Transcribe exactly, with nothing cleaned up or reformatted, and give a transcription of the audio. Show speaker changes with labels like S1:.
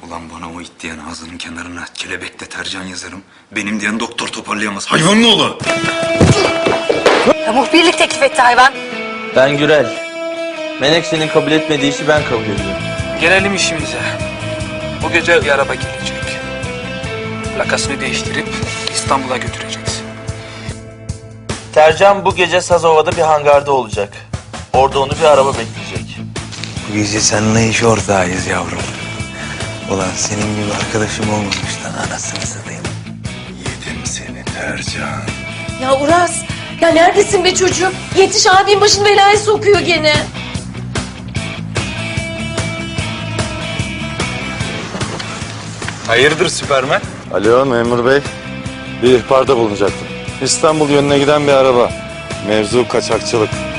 S1: Ulan bana o it diyen ağzının kenarına kelebek deterjan yazarım. Benim diyen doktor toparlayamaz. Hayvanın oğlu!
S2: Ya muhbirlik teklif etti hayvan.
S3: Ben Gürel. Menekşe'nin kabul etmediği işi ben kabul ediyorum.
S4: Gelelim işimize. Bu gece bir araba gelecek. Plakasını değiştirip İstanbul'a götüreceksin.
S3: Tercan bu gece Sazova'da bir hangarda olacak. Orada onu bir araba bekleyecek.
S1: Bu gece seninle iş ortağıyız yavrum. Ulan senin gibi arkadaşım olmamış lan, anasını satayım. Yedim seni Tercan.
S5: Ya Uras, ya neredesin be çocuğum? Yetiş, abin başını belaya sokuyor gene.
S1: Hayırdır Süpermen?
S6: Alo memur bey. Bir ihbarda bulunacaktım. İstanbul yönüne giden bir araba. Mevzu kaçakçılık.